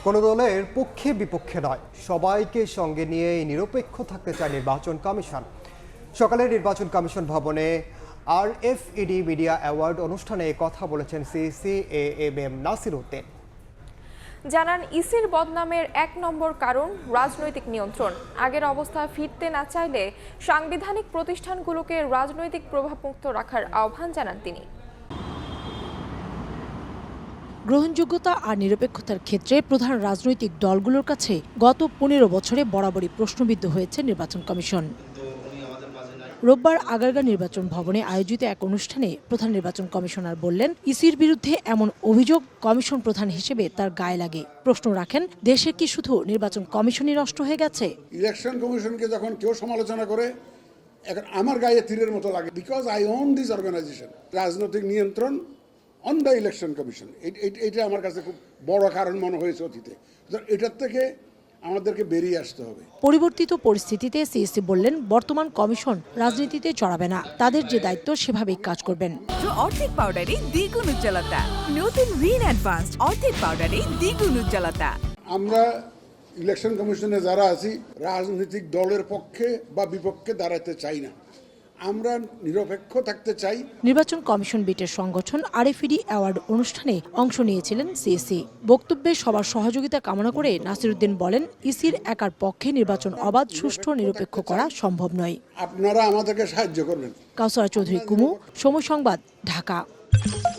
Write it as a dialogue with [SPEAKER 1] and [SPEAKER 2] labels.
[SPEAKER 1] কোনো দলের পক্ষে বিপক্ষে নয়, সবাইকে সঙ্গে নিয়ে নিরপেক্ষ থাকতে চায় নির্বাচন কমিশন। সকালে নির্বাচন কমিশন ভবনে RFED মিডিয়া অ্যাওয়ার্ড অনুষ্ঠানে কথা বলেছেন সিইসি AM নাসির উদ্দিন।
[SPEAKER 2] জানান, ইসির বদনামের ১ নম্বর কারণ রাজনৈতিক নিয়ন্ত্রণ। আগের অবস্থা ফিরতে না চাইলে সাংবিধানিক প্রতিষ্ঠানগুলোকে রাজনৈতিক প্রভাবমুক্ত রাখার আহ্বান জানান তিনি।
[SPEAKER 3] গ্রহণযোগ্যতা আর নিরপেক্ষতার ক্ষেত্রে প্রধান রাজনৈতিক দলগুলোর কাছে গত ১৫ বছরে বরাবরই প্রশ্নবিদ্ধ হয়েছে নির্বাচন কমিশন। রোববার আগারগাঁও নির্বাচন ভবনে আয়োজিত এক অনুষ্ঠানে প্রধান নির্বাচন কমিশনার বললেন, ইসির বিরুদ্ধে এমন অভিযোগ কমিশন প্রধান হিসেবে তার গায়ে লাগে। প্রশ্ন রাখেন, দেশে কি শুধু নির্বাচন কমিশনই নষ্ট হয়ে গেছে?
[SPEAKER 4] ইলেকশন কমিশনকে যখন কেউ সমালোচনা করে, এখন আমার গায়ে তীরের মতো লাগে, because I own this organization. রাজনৈতিক নিয়ন্ত্রণ অন দ্য ইলেকশন কমিশন, এটা আমার কাছে খুব বড় কারণ মনে হয়েছে অতীতে। এটার থেকে আমাদেরকে বেরিয়ে আসতে হবে।
[SPEAKER 3] পরিবর্তিত পরিস্থিতিতে সিইসি বললেন, বর্তমান কমিশন রাজনীতিতে জড়াবে না, তাদের যে দায়িত্ব সেভাবেই কাজ করবেন।
[SPEAKER 5] অর্ধেক পাউডারে দ্বিগুণ উজ্জ্বলতা, নতুন রিন অ্যাডভান্সড অর্ধেক পাউডারে দ্বিগুণ উজ্জ্বলতা।
[SPEAKER 4] আমরা ইলেকশন কমিশনে যারা আছি, রাজনৈতিক দলের পক্ষে বা বিপক্ষে দাঁড়াতে চাই না, আমরা নিরপেক্ষ থাকতে চাই।
[SPEAKER 3] নির্বাচন কমিশন বিটের সংগঠন RFED অ্যাওয়ার্ড অনুষ্ঠানে অংশ নিয়েছিলেন সিইসি। বক্তব্যে সবার সহযোগিতা কামনা করে নাসির উদ্দিন বলেন, ইসির একার পক্ষে নির্বাচন অবাধ, সুষ্ঠু, নিরপেক্ষ করা সম্ভব নয়।
[SPEAKER 4] আপনারা আমাদেরকে সাহায্য করবেন।
[SPEAKER 3] কাউসারা চৌধুরী কুমু, সময় সংবাদ, ঢাকা।